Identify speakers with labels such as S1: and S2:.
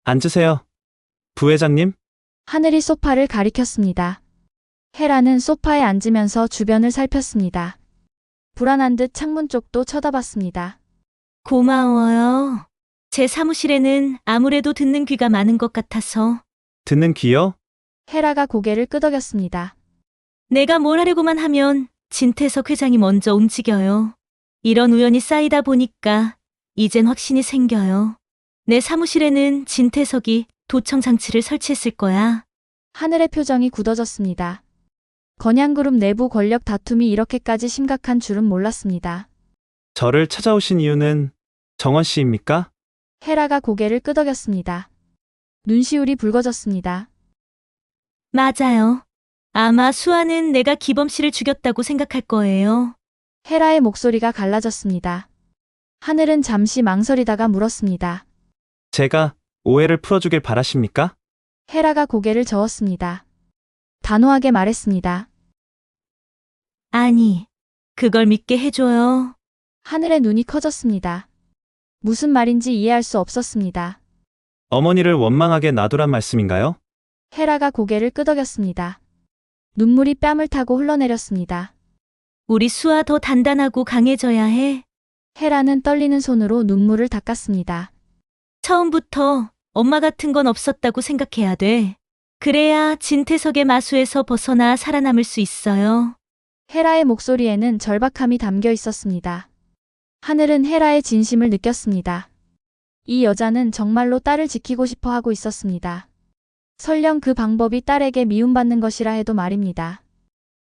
S1: 앉으세요. 부회장님?
S2: 하늘이 소파를 가리켰습니다. 헤라는 소파에 앉으면서 주변을 살폈습니다. 불안한 듯 창문 쪽도 쳐다봤습니다.
S3: 고마워요. 제 사무실에는 아무래도 듣는 귀가 많은 것 같아서.
S1: 듣는 귀요?
S2: 헤라가 고개를 끄덕였습니다.
S3: 내가 뭘 하려고만 하면 진태석 회장이 먼저 움직여요. 이런 우연이 쌓이다 보니까 이젠 확신이 생겨요. 내 사무실에는 진태석이 도청 장치를 설치했을 거야.
S2: 하늘의 표정이 굳어졌습니다. 건양그룹 내부 권력 다툼이 이렇게까지 심각한 줄은 몰랐습니다.
S1: 저를 찾아오신 이유는 정원 씨입니까?
S2: 헤라가 고개를 끄덕였습니다. 눈시울이 붉어졌습니다.
S3: 맞아요. 아마 수아는 내가 기범 씨를 죽였다고 생각할 거예요.
S2: 헤라의 목소리가 갈라졌습니다. 하늘은 잠시 망설이다가 물었습니다.
S1: 제가 오해를 풀어주길 바라십니까?
S2: 헤라가 고개를 저었습니다. 단호하게 말했습니다.
S3: 아니, 그걸 믿게 해줘요.
S2: 하늘의 눈이 커졌습니다. 무슨 말인지 이해할 수 없었습니다.
S1: 어머니를 원망하게 놔두란 말씀인가요?
S2: 헤라가 고개를 끄덕였습니다. 눈물이 뺨을 타고 흘러내렸습니다.
S3: 우리 수아 더 단단하고 강해져야 해.
S2: 헤라는 떨리는 손으로 눈물을 닦았습니다.
S3: 처음부터 엄마 같은 건 없었다고 생각해야 돼. 그래야 진태석의 마수에서 벗어나 살아남을 수 있어요.
S2: 헤라의 목소리에는 절박함이 담겨 있었습니다. 하늘은 헤라의 진심을 느꼈습니다. 이 여자는 정말로 딸을 지키고 싶어 하고 있었습니다. 설령 그 방법이 딸에게 미움받는 것이라 해도 말입니다.